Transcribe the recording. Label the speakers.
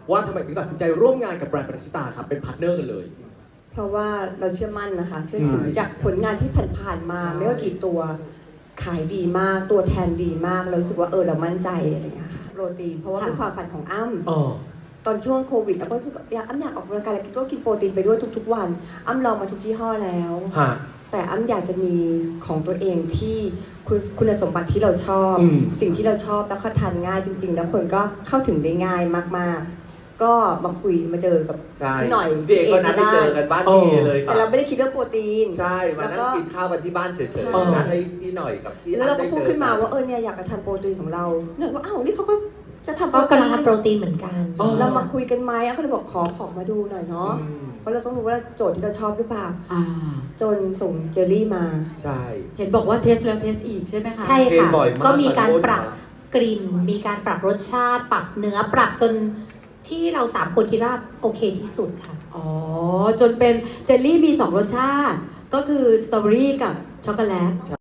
Speaker 1: ว่าทำไมถึงตัดสินใจร่วมงานกับแบรนด์ปณิชิตาครับเป็นพาร์ทเนอร์กันเลย
Speaker 2: เพราะว่าเราเชื่อมั่นนะคะเชื่อถือจากผลงานที่ผ่านๆมาไม่ว่ากี่ตัวขายดีมากตัวแทนดีมากเรารู้สึกว่าเรามั่นใจอะไรอย่างเงี้ยค่ะโปรตีนเพราะว่าเป็นความฝันของอ้ำตอนช่วงโควิดเราก็รู้สึกอ้ำอยากออกกำลังกายแล้วก็กินโปรตีนไปด้วยทุกๆวันอ้ำลองมาทุกยี่ห้อแล้วแต่อ้ำอยากจะมีของตัวเองที่คุณสมบัติที่เราชอบสิ่งที่เราชอบแล้วก็ทานง่ายจริงๆแล้วคนก็เข้าถึงได้ง่ายมากๆก็มาคุยมาเจอกับหน่อย
Speaker 3: เด็กก็นัดไปเจอกันบ้านพี่เลย
Speaker 2: แต่เราไม่ได้คิดเรื่องโปรตีน
Speaker 3: ใช่มานั่งกินข้าวกันที่บ้านเฉยๆนัดให้พี่หน่อยกับพี่
Speaker 2: แล้วเราก็พูดขึ้นมาว่าเนี่ยอยากจะทานโปรตีนของเราเนี่ยว่านี่เขาก็จะทำ
Speaker 4: ก็กำลังทำโปรตีนเหมือนกัน
Speaker 2: เรามาคุยกันไหมก็เลยบอกขอของมาดูหน่อยเนาะเพราะเราต้องรู้ว่าโจทย์ที่เราชอบหรือเปล่าจนส่งเจลลี่มา
Speaker 3: ใช่
Speaker 5: เห็นบอกว่าเทสแล้วเทสอีกใช่ไหมคะ
Speaker 4: ใช่ค่ะก็มีการปรับกลิ่นมีการปรับรสชาติปรับเนื้อปรับจนที่เรา3คนคิดว่าโอเคที่สุดค่ะ
Speaker 5: จนเป็นเจลลี่มี2รสชาติก็คือสตรอเบอรี่กับช็อกโกแลต